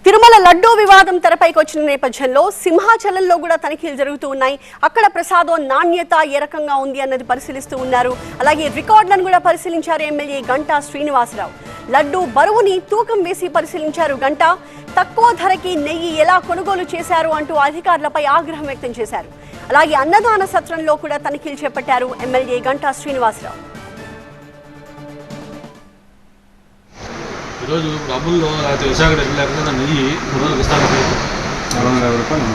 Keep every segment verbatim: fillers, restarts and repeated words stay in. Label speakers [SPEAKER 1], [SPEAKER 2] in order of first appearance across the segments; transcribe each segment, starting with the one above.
[SPEAKER 1] తిరుమల లడ్డూ వివాదం తెరపైకి వచ్చిన నేపథ్యంలో సింహాచలంలో కూడా తనిఖీలు జరుగుతూ ఉన్నాయి. అక్కడ ప్రసాదం నాణ్యత ఏ రకంగా ఉంది అన్నది పరిశీలిస్తూ ఉన్నారు. అలాగే రికార్డులను కూడా పరిశీలించారు ఎమ్మెల్యే గంటా శ్రీనివాసరావు. లడ్డూ బరువుని తూకం వేసి పరిశీలించారు గంటా. తక్కువ ధరకి నెయ్యి ఎలా కొనుగోలు చేశారు అంటూ అధికారులపై ఆగ్రహం వ్యక్తం చేశారు. అలాగే అన్నదాన సత్రంలో కూడా తనిఖీలు చేపట్టారు ఎమ్మెల్యే గంటా శ్రీనివాసరావు.
[SPEAKER 2] ఈరోజు డబ్బుల్లో లేకపోతే విశాఖ డబ్బులు లేకుండా నెయ్యి మూడు రోజులకు ఇస్తాను
[SPEAKER 3] రెండు వందల యాభై రూపాయలు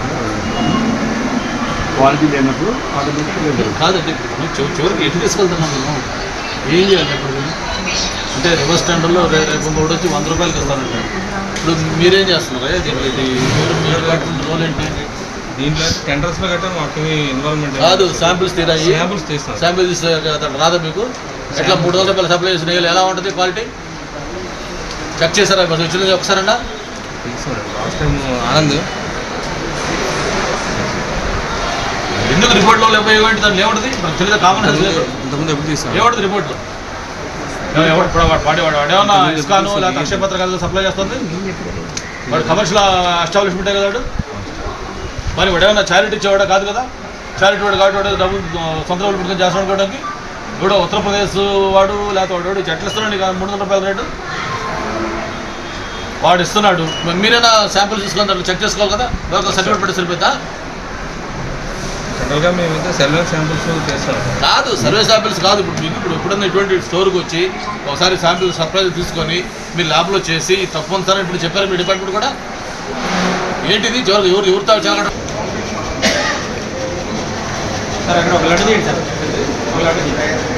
[SPEAKER 3] క్వాలిటీ లేనప్పుడు
[SPEAKER 2] కాదండి. చివరికి ఎటు తీసుకెళ్తున్నాం మేము? ఏం చేయాలి ఇప్పుడు? అంటే రివర్స్ స్టాండర్లో రేపు మూడు వచ్చి వంద రూపాయలకి ఇస్తానంటే ఇప్పుడు మీరేం చేస్తున్నారు? దీనికి మీరు మీరు కట్టిన రోల్ ఏంటి?
[SPEAKER 4] దీంట్లో టెండర్స్లో కట్టాను మాకు ఇన్వాల్వ్మెంట్
[SPEAKER 2] కాదు. శాంపిల్స్ తీరాయి,
[SPEAKER 4] శాంపిల్స్ తీస్తాను.
[SPEAKER 2] శాంపిల్స్ రాదా మీకు? ఎట్లా మూడు వందల రూపాయలు సప్లై చేసిన నెయ్యి ఎలా ఉంటుంది క్వాలిటీ? చెక్ చేశారా? వచ్చింది ఒకసారన్నా?
[SPEAKER 4] లాస్ట్ టైం ఆనంద్
[SPEAKER 2] ఎందుకు రిపోర్ట్లో లేకపోయేంటి? దాంట్లో ఏముంటుంది? మనకు తెలియదు. కామన్
[SPEAKER 4] ఇంతకుముందు ఎప్పుడు తీస్తాను
[SPEAKER 2] ఏముంటుంది రిపోర్ట్లో? ఇప్పుడు వాడు వాడు ఏమన్నా ఇస్కాను లేకపోతే అక్షయ పత్రికలు సప్లై చేస్తుంది? వాడు కమర్షియల్ ఎస్టాబ్లిష్మెంటే కదా వాడు. మరి వాడు ఏమన్నా చారిటీ ఇచ్చేవాడా కాదు కదా. చారిటీ వాడు కాబట్టి వాడు డబ్బులు సొంత డబ్బులు పెట్టుకొని చేస్తాడు అనుకోవడానికి. ఇప్పుడు ఉత్తరప్రదేశ్ వాడు లేకపోతే వాడు చెట్లు ఇస్తున్నాడు ఇక మూడు వందల రూపాయల రేటు వాడు ఇస్తున్నాడు. మీరైనా శాంపుల్ తీసుకొని దాంట్లో చెక్ చేసుకోవాలి కదా. ఎవరికో సర్టిఫికేట్ పెట్టి సరిపోతా?
[SPEAKER 4] జనరల్గా మేమైతే సర్వే శాంపిల్స్ చేస్తాం.
[SPEAKER 2] కాదు, సర్వే శాంపిల్స్ కాదు. ఇప్పుడు మీకు ఇప్పుడు ఎప్పుడన్నా ఇటువంటి స్టోర్కి వచ్చి ఒకసారి శాంపిల్ సర్ప్రైజ్ తీసుకొని మీరు ల్యాబ్లో చేసి తప్పని సార్ ఇప్పుడు చెప్పారు మీ డిపార్ట్మెంట్ కూడా. ఏంటిది? చివరికి ఎవరు ఎవరితో చాలా
[SPEAKER 4] సార్ అక్కడ ఒక లడ్డు తీయండి సార్. ఒక లడ్డు